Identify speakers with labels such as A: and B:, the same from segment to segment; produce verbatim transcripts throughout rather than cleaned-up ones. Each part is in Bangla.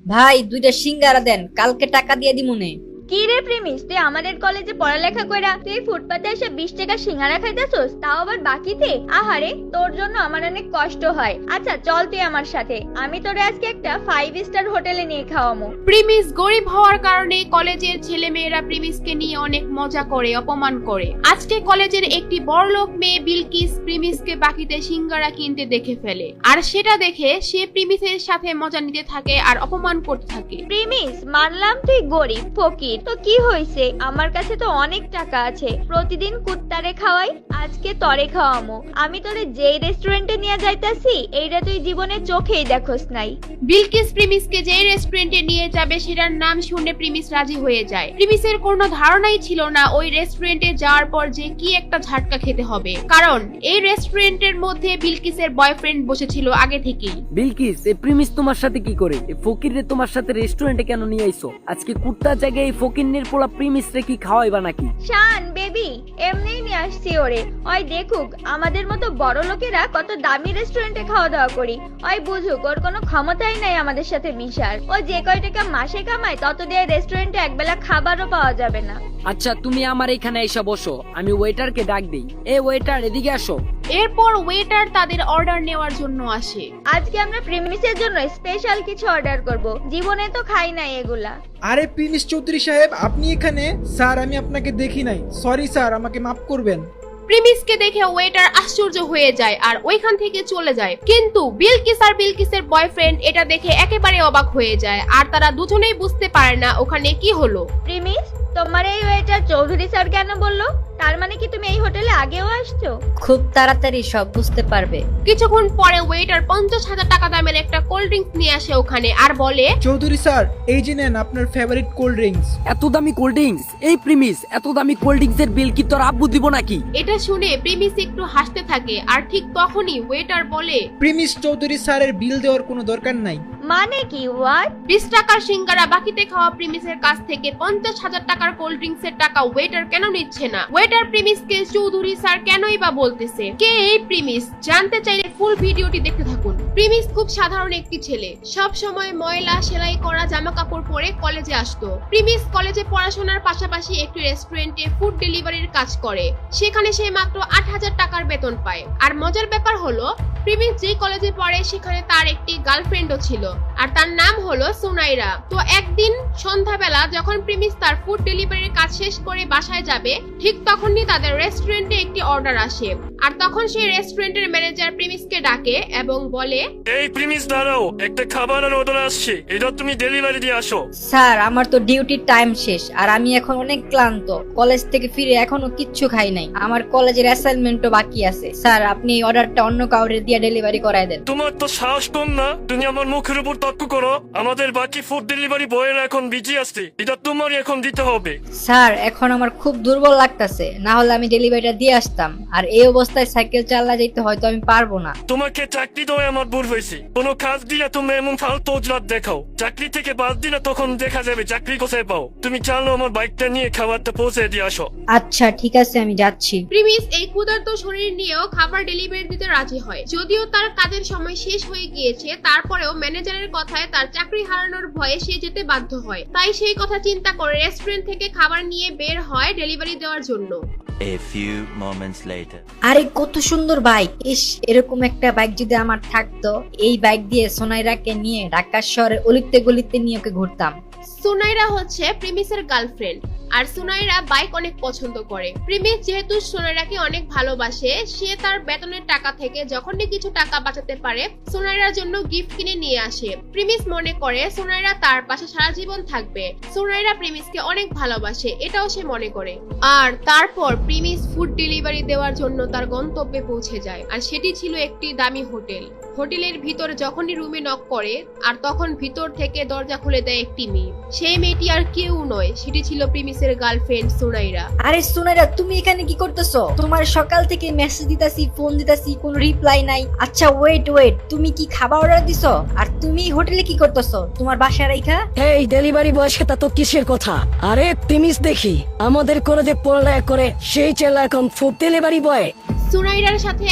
A: ভাই দুইটা সিঙ্গারা দেন, কালকে টাকা দিয়ে দিমুনে।
B: কি রে প্রেমিস, তুই আমাদের কলেজে পড়ালেখা কইরা তুই ফুটপাতে এসে বিশ টাকা সিঙ্গারা খাইতেছস, তাও আবার বাকিতে? আহারে, তোর জন্য আমার অনেক কষ্ট হয়। আচ্ছা চল তুই আমার সাথে, আমি তোরে আজকে একটা ফাইভ স্টার হোটেলে নিয়ে খাওয়ামু।
C: প্রিমিস গরিব হওয়ার কারণে কলেজের ছেলে মেয়েরা প্রিমিসকে নিয়ে অনেক মজা করে, অপমান করে। আজকে কলেজের একটি বড়লোক মেয়ে বিলকিস প্রিমিসকে বাকিতে সিঙ্গারা কিনতে দেখে ফেলে, আর সেটা দেখে সে প্রিমিসের সাথে মজা নিতে থাকে আর অপমান করতে থাকে।
B: প্রেমিস, মানলাম তুই গরিব ফকির, তো কি হইছে, আমার কাছে তো অনেক টাকা আছে, প্রতিদিন কুত্তারে খাওয়াই, আজকে তরে খাওয়ামু। আমি তোরে যেই রেস্টুরেন্টে নিয়ে যাইতাছি এইটা তুই জীবনে চোখেই দেখোস নাই।
C: বিলকিস প্রিমিসকে যে রেস্টুরেন্টে নিয়ে যাবে সেটার নাম শুনে প্রিমিস রাজি হয়ে যায়। প্রিমিসের কোনো ধারণাই ছিল না ওই রেস্টুরেন্টে যাওয়ার পর যে কি একটা ঝাটকা খেতে হবে, কারণ এই রেস্টুরেন্টের মধ্যে বিলকিসের বয়ফ্রেন্ড বসেছিল আগে থেকেই।
D: বিলকিস, এই প্রিমিস তোমার সাথে কি করে? এই ফকিররে তোমার সাথে রেস্টুরেন্টে কেন নিয়ে আইছো? আজকে কুত্তার জায়গায় এই ফকিরনের পোলা প্রিমিস রে কি খাওয়াইবা নাকি?
B: শান বেবি, এমনিই নিয়ে আসছি ওরে, ওই দেখুক আমাদের মতো বড় লোকেরা কত দামি রেস্টুরেন্টে খাওয়া দাওয়া করি, ওই বুঝুক ওর কোনো ক্ষমতাই নাই আমাদের সাথে মিশার। ও যে কয় টাকা মাসে কামায় তত দিয়ে রেস্টুরেন্টে একবেলা খাবারও পাওয়া যাবে না।
D: আচ্ছা তুমি আমার এখানে এসে বসো, আমি ওয়েটারকে ডাক দেই। এ ওয়েটার, এদিকে আসো।
C: এরপর ওয়েটার তাদের অর্ডার নেওয়ার জন্য আসে।
B: আজকে আমরা প্রিমিসের জন্য স্পেশাল কিছু অর্ডার করব, জীবনে তো খাই নাই এগুলা।
E: আরে প্রিমিস চৌধুরী সাহেব, আপনি এখানে? স্যার আমি আপনাকে দেখি নাই, সরি স্যার, আমাকে মাফ করবেন।
C: প্রিমিসকে দেখে ওয়েটার আশ্চর্য হয়ে যায় আর ওইখান থেকে চলে যায়, কিন্তু বিলকিস আর বিলকিসের বয়ফ্রেন্ড এটা দেখে একেবারে অবাক হয়ে যায়, আর তারা দুজনেই বুঝতে পারে না ওখানে কি হলো।
B: প্রিমিস, তোমার এই ওয়েটার চৌধুরী স্যার কেন বললো? তার মানে কি তুমি এই হোটেলে আগেও আসছো?
A: খুব তাড়াতাড়ি সব বুঝতে পারবে।
C: কিছুক্ষণ পরে ওয়েটার পঞ্চাশ হাজার টাকা দামের একটা কোল্ড ড্রিঙ্কস নিয়ে আসে ওখানে আর বলে,
E: চৌধুরী স্যার এই যে নেন আপনার ফেভারিট কোল্ড ড্রিঙ্কস।
D: এত দামি কোল্ড ড্রিঙ্কস? এই প্রিমিস, এত দামি কোল্ড ড্রিঙ্কস এর বিল কি তোর আব্বু দিব নাকি?
C: এটা শুনে প্রিমিস একটু হাসতে থাকে, আর ঠিক তখনই ওয়েটার বলে,
E: প্রিমিস চৌধুরী স্যারের বিল দেওয়ার কোনো দরকার নাই।
B: মানে কি? হোয়াট?
C: বিশ টাকার সিঙ্গারা বাকিতে খাওয়া প্রিমিসের কাছ থেকে পঞ্চাশ হাজার টাকার কোল্ড ড্রিঙ্কস এর টাকা ওয়েটার কেন নিচ্ছে না? ওয়েটার প্রিমিসকে চৌধুরী স্যার কেনই বা বলতেছে? কে এই প্রিমিস? জানতে চাইলে ফুল ভিডিওটি দেখতে থাকুন। প্রিমিস খুব সাধারণ একটি ছেলে, সব সময় ময়লা সেলাই করা জামা কাপড় পরে কলেজে আসতো। প্রিমিস কলেজে পড়াশোনার পাশাপাশি একটি রেস্টুরেন্টে ফুড ডেলিভারির কাজ করে, সেখানে সে মাত্র আট হাজার টাকার বেতন পায়। আর মজার ব্যাপার হলো, প্রিমিস যে কলেজে পড়ে সেখানে তার একটি গার্লফ্রেন্ডও ছিল, আর তার নাম হলো সুনাইরা। তো একদিন সন্ধ্যাবেলা যখন প্রিমিস তার ফুড ডেলিভারির কাজ শেষ করে বাসায় যাবে, ঠিক তখনই তাদের রেস্টুরেন্টে একটি অর্ডার আসে, আর তখন সেই রেস্টুরেন্টের ম্যানেজার প্রিমিসকে ডাকে এবং বলে,
F: এই প্রিমিস দাঁড়াও, একটা খাবারের অর্ডার আসছে, এটা তুমি ডেলিভারি দিয়ে আসো।
A: স্যার আমার তো ডিউটির টাইম শেষ, আর আমি এখন অনেক ক্লান্ত, কলেজ থেকে ফিরে এখনো কিচ্ছু খাই নাই, আমার কলেজের অ্যাসাইনমেন্টও বাকি আছে। স্যার আপনি এই অর্ডারটা অন্য কাউরে দিয়ে ডেলিভারি করায় দেন।
F: তোমার তো সাহস কম না, তুমি আমার মুখের উপর তর্ক করো। আমাদের বাকি ফুড ডেলিভারি বয়েরা এখন বিজি আসছে, এটা তোমারই এখন দিতে হবে।
A: স্যার এখন আমার খুব দুর্বল লাগতেছে, না হলে আমি ডেলিভারিটা দিয়ে আসতাম, আর এই অবস্থায় সাইকেল চালা যেতে হয়তো আমি পারবো না।
F: তোমাকে চাকরি দেওয়া আমার ভুল হয়েছে, কোনো কাজ দিলে তুমি এমন ফালতু অজলাত দেখাও, চাকরি থেকে বাদ দিলে তখন দেখা যাবে চাকরি কোথায় পাও। তুমি চালো আমার বাইকটা নিয়ে খাবারটা পৌঁছে দিয়ে আসো।
A: আচ্ছা ঠিক আছে, আমি যাচ্ছি।
C: প্রিমিস এই ক্ষুধার্ত শরীর নিয়েও খাবার ডেলিভারি দিতে রাজি হয়। যদিও তার কাজের সময় শেষ হয়ে গিয়েছে, তারপরেও ম্যানেজারের কথায় তার চাকরি হারানোর ভয়ে সে যেতে বাধ্য হয়। তাই সেই কথা চিন্তা করে রেস্টুরেন্ট থেকে খাবার নিয়ে বের হয় ডেলিভারি দেওয়ার জন্য।
G: A few moments later.
A: আরে কত সুন্দর বাইক! ইস, এরকম একটা বাইক যদি আমার থাকতো, এই বাইক দিয়ে সোনাইরাকে নিয়ে ঢাকা শহরে অলিতে গলিতে নিয়ে ওকে ঘুরতাম।
C: সুনাইরা হচ্ছে প্রিমিসের গার্লফ্রেন্ড, আর সুনাইরা বাইক অনেক পছন্দ করে। প্রিমিস যেহেতু সুনাইরাকে অনেক ভালোবাসে, সে তার বেতনের টাকা থেকে যখনই কিছু টাকা বাঁচাতে পারে সুনাইরার জন্য গিফট কিনে নিয়ে আসে। প্রিমিস মনে করে সুনাইরা তার পাশে সারা জীবন থাকবে। সুনাইরা প্রিমিসকে অনেক ভালোবাসে, এটাও সে মনে করে। আর তারপর প্রিমিস ফুড ডেলিভারি দেওয়ার জন্য তার গন্তব্যে পৌঁছে যায়, আর সেটি ছিল একটি দামি হোটেল। হোটেলের ভিতর যখনই রুমে নক করে, আর তখন ভিতর থেকে দরজা খুলে দেয় একটি মেয়ে। সেই মেয়েটি আর কেউ নয়, সেটি ছিল প্রিমিসের গার্লফ্রেন্ড সুনাইরা।
A: আরে সুনাইরা, তুমি এখানে কি করতেছো? তোমার সকাল থেকে মেসেজ দিতাছি, ফোন দিতাছি, কোনো রিপ্লাই নাই। আচ্ছা ওয়েট ওয়েট, তুমি কি খাবার অর্ডার দিছো? আর তুমি হোটেলে কি করতেছো তোমার বাসায় রাইখা?
H: এই ডেলিভারি বয়ের সাথে তো কিসের কথা? আরে প্রিমিস দেখি আমাদের কলেজে পড়ালেখা করে সেই ছেলে এখন ফুড ডেলিভারি বয়।
C: সুনাইরার সাথে এখন যাকে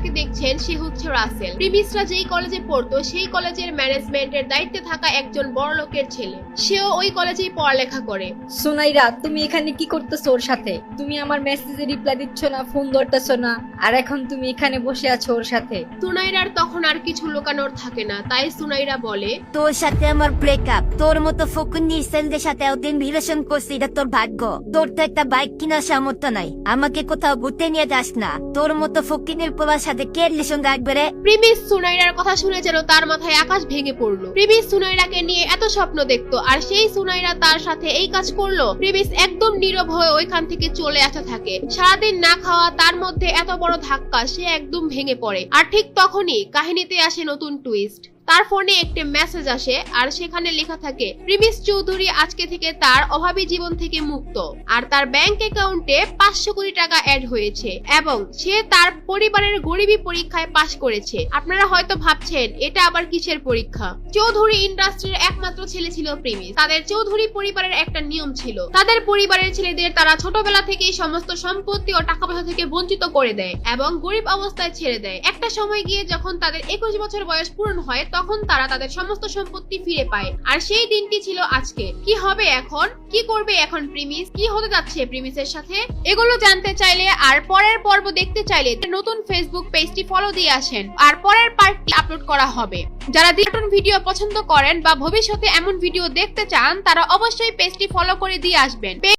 C: যাকে দেখছেন সে হচ্ছে রাসেল। প্রিমিসরা যেই কলেজে পড়তো সেই কলেজের ম্যানেজমেন্টের দায়িত্বে থাকা একজন বড় লোকের ছেলে। সেও ওই কলেজেই পড়ালেখা করে।
A: সুনাইরা, তুমি এখানে কি করতেছো ওর সাথে? তুমি আমার মেসেজে রিপ্লাই দিচ্ছ না, ফোন ধরতেছো না, আর এখন তুমি এখানে বসে আছো ওর সাথে।
C: সুনাইরার তখন আর কিছু লুকানোর থাকে না, তাই সুনাইরা বলে,
I: তোর সাথে আমার ব্রেকআপ। তোর মতো ফকুন্নি সেলদের সাথে ওদিন রিলেশন করছি, এটা তোর ভাগ্য। তোর তো একটা বাইক কেনার সামর্থ্য নাই, আমাকে কোথাও ঘুরতে নিয়ে যাস না। তোর মতো ফকিনের পোলার সাথে কে রিলেশন রাখবে রে?
C: প্রিমিস সুনাইরার কথা শুনে যেন তার মাথায় আকাশ ভেঙে পড়লো। প্রিমিস সুনাইরাকে নিয়ে এত স্বপ্ন দেখতো, আর সেই সুনাইরা তার সাথে এই কাজ করলো। প্রিমিস একদম নীরব হয়ে ওইখান থেকে চলে আসতে থাকে। সারাদিন না খাওয়া, তার মধ্যে এত বড় ধাক্কা, সে একদম ভেঙে পড়ে। আর ঠিক তখনই কাহিনীতে আসে নতুন টুইস্ট। তার ফোনে একটি মেসেজ আসে, আর সেখানে লেখা থাকে প্রিমিস চৌধুরী আজকে থেকে তার অভাবী জীবন থেকে মুক্ত, আর তার ব্যাংক অ্যাকাউন্টে পাঁচশো কোটি টাকা অ্যাড হয়েছে, এবং সে তার পরিবারের গরিবী পরীক্ষায় পাশ করেছে। আপনারা হয়তো ভাবছেন এটা আবার কিসের পরীক্ষা। চৌধুরী ইন্ডাস্ট্রির একমাত্র ছেলে ছিল প্রিমিস। তাদের চৌধুরী পরিবারের একটা নিয়ম ছিল, তাদের পরিবারের ছেলেদের তারা ছোটবেলা থেকেই সমস্ত সম্পত্তি ও টাকা পয়সা থেকে বঞ্চিত করে দেয় এবং গরিব অবস্থায় ছেড়ে দেয়। একটা সময় গিয়ে যখন তাদের একুশ বছর বয়স পূরণ হয়, তখন তারা তাদের সমস্ত সম্পত্তি ফিরে পায়। আর সেই দিনটি ছিল আজকে। কি হবে এখন? কি করবে এখন প্রিমিস? কি হতে যাচ্ছে প্রিমিসের সাথে? এগুলো জানতে চাইলে আর পরের পর্ব দেখতে চাইলে নতুন ফেসবুক পেজটি ফলো দিয়ে আসেন, আর পরের পার্টটি আপলোড করা হবে। যারা কার্টুন ভিডিও পছন্দ করেন বা ভবিষ্যতে এমন ভিডিও দেখতে চান, তারা অবশ্যই পেজটি ফলো করে দিয়ে আসবেন।